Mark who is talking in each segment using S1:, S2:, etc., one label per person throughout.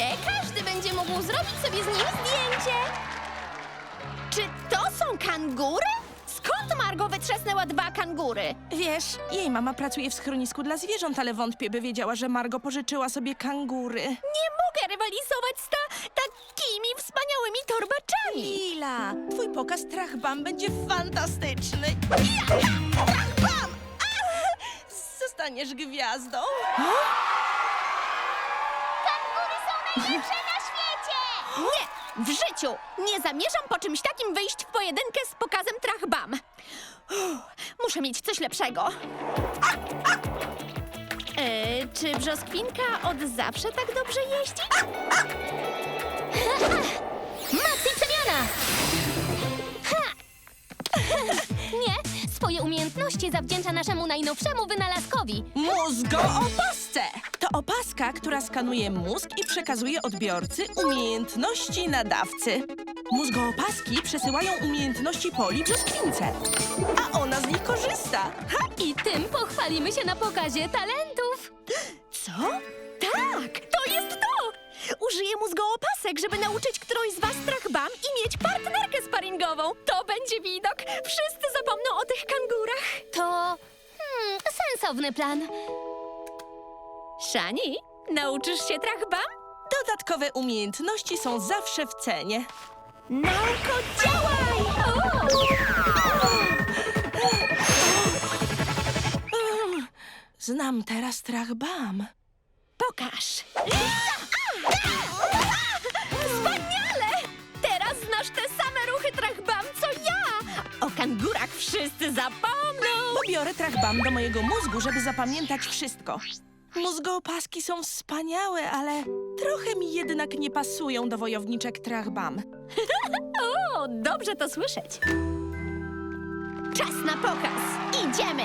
S1: Oczywiście, każdy będzie mógł zrobić sobie z nim zdjęcie. Czy to są kangury? Skąd Margo wytrzasnęła 2 kangury?
S2: Wiesz, jej mama pracuje w schronisku dla zwierząt, ale wątpię, by wiedziała, że Margo pożyczyła sobie kangury.
S1: Nie mogę rywalizować z takimi wspaniałymi torbaczami.
S2: Lila, twój pokaz Trachbam będzie fantastyczny. Trachbam! Zostaniesz gwiazdą.
S1: Kangury są najlepsze na świecie! Nie! W życiu nie zamierzam po czymś takim wyjść w pojedynkę z pokazem Trachbam. Muszę mieć coś lepszego. Czy brzoskwinka od zawsze tak dobrze jeździ?
S3: Maxi przemiana! Ha! Nie, swoje umiejętności zawdzięcza naszemu najnowszemu wynalazkowi.
S2: Mózgoopasce! To opaska, która skanuje mózg i przekazuje odbiorcy umiejętności nadawcy. Mózgoopaski przesyłają umiejętności Poli brzoskwince, a ona z nich korzysta.
S3: I tym pochwalimy się na pokazie talentów.
S1: Co? Tak, to jest to! Użyję mózgoopasek, żeby nauczyć którąś z was Trachbam i mieć partnerkę sparingową. To będzie widok. Wszyscy zapomną o tych kangurach.
S3: To sensowny plan.
S1: Szani, nauczysz się Trachbam?
S2: Dodatkowe umiejętności są zawsze w cenie.
S1: Nauko, działaj!
S2: Znam teraz Trachbam.
S1: Pokaż! Wspaniale! Teraz znasz te same ruchy Trachbam, co ja! O kangurach wszyscy zapomną!
S2: Pobiorę Trachbam do mojego mózgu, żeby zapamiętać wszystko. Mózgoopaski są wspaniałe, ale trochę mi jednak nie pasują do wojowniczek Trachbam.
S1: O, dobrze to słyszeć. Czas na pokaz. Idziemy!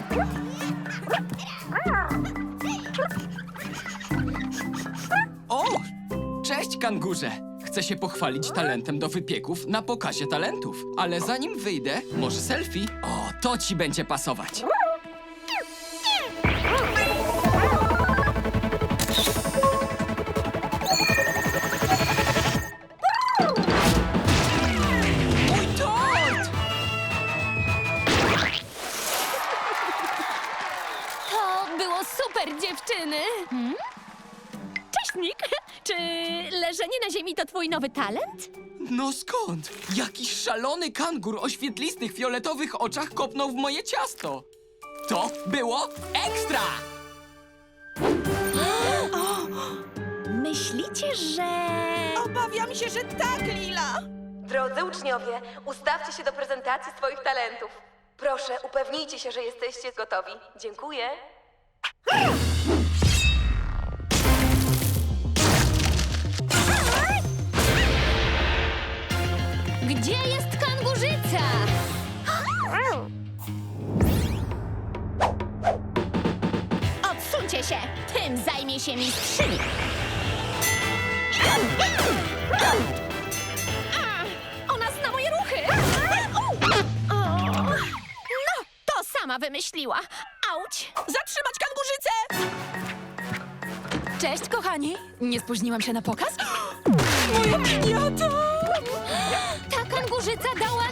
S4: O! Cześć, kangurze! Chcę się pochwalić talentem do wypieków na pokazie talentów. Ale zanim wyjdę, może selfie? O, to ci będzie pasować. Mój tort!
S3: To było super, dziewczyny.
S1: Cześć, Nick! Czy leżenie na ziemi to twój nowy talent?
S4: No skąd? Jakiś szalony kangur o świetlistych, fioletowych oczach kopnął w moje ciasto. To było ekstra!
S1: Myślicie, że...
S2: Obawiam się, że tak, Lila.
S5: Drodzy uczniowie, ustawcie się do prezentacji swoich talentów. Proszę, upewnijcie się, że jesteście gotowi. Dziękuję.
S3: Gdzie jest kangurzyca?
S1: Odsuńcie się! Tym zajmie się mistrzyni! Ona zna moje ruchy! No, to sama wymyśliła! Auć!
S2: Zatrzymać kangurzycę!
S6: Cześć, kochani! Nie spóźniłam się na pokaz?
S2: Moja piniata!
S3: Ta kangurzyca dała